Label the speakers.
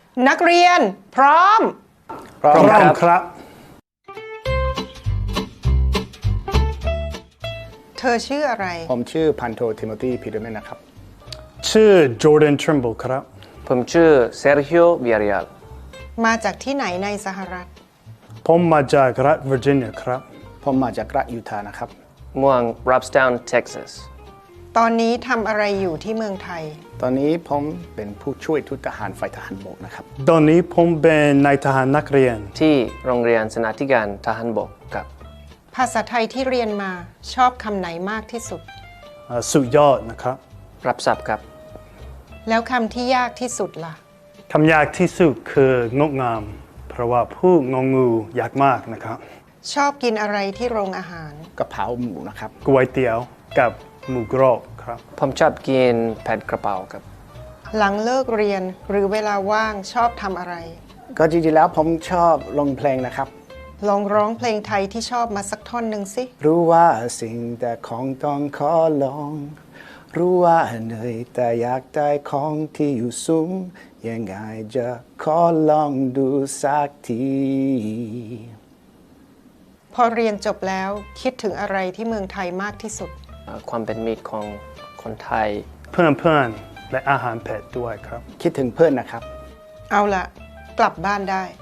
Speaker 1: นักเรียนพร้อม
Speaker 2: พร้อมครับ
Speaker 1: เธอชื่ออะไร
Speaker 3: ผมชื่อพันโททิโมธีพีเดอร์แมนนะครับ
Speaker 2: ชื่อ Jordan Trimble ครับ
Speaker 4: ผมชื่อเซอร์ฮิโอวิอาริอัล
Speaker 1: มาจากที่ไหนในสหรัฐ
Speaker 2: ผมมาจากรัฐเวอร์จิเนียครับ
Speaker 3: ผมมาจากรัฐยูทาห์นะครับ
Speaker 4: เมืองรับสตาวน์เท็กซัส
Speaker 1: ตอนนี้ทำอะไรอยู่ที่เมืองไทย
Speaker 3: ตอนนี้ผมเป็นผู้ช่วยทูตทหารฝ่ายทหารบกนะครับ
Speaker 2: ตอนนี้ผมเป็นนายทหารนักเรียน
Speaker 4: ที่โรงเรียนสนาธิการทหารบกกับ
Speaker 1: ภาษาไทยที่เรียนมาชอบคำไหนมากที่สุด
Speaker 2: สุดยอดนะครับ
Speaker 4: รับทราบครับ
Speaker 1: แล้วคำที่ยากที่สุดล่ะ
Speaker 2: คำยากที่สุดคืองดงาม เพราะว่าผู้งองูยากมากนะครับ
Speaker 1: ชอบกินอะไรที่โรงอาหาร
Speaker 3: กะเพราหมูนะครับ
Speaker 2: ก๋วยเตี๋ยวกับหมูกรอบครับ
Speaker 4: ผมชอบกินผัดกระเพราครับ
Speaker 1: หลังเลิกเรียนหรือเวลาว่างชอบทำอะไร
Speaker 3: ก็จริงๆแล้วผมชอบลงเพลงนะครับ
Speaker 1: ลองร้องเพลงไทยที่ชอบมาสักท่อนหนึ่งสิ
Speaker 3: รู้ว่าสิ่งแต่ของต้องขอลอง รู้ว่าเหนื่อยแต่อยากได้ของที่อยู่สูงยังไงจะขอลองดูสักที
Speaker 1: พอเรียนจบแล้วคิดถึงอะไรที่เมืองไทยมากที่สุด
Speaker 4: ความเป็นมิตรของคนไทย
Speaker 2: เพื่อนๆและอาหารเผ็ดด้วยครับ
Speaker 3: คิดถึงเพื่อนนะครับ
Speaker 1: เอาละกลับบ้านได้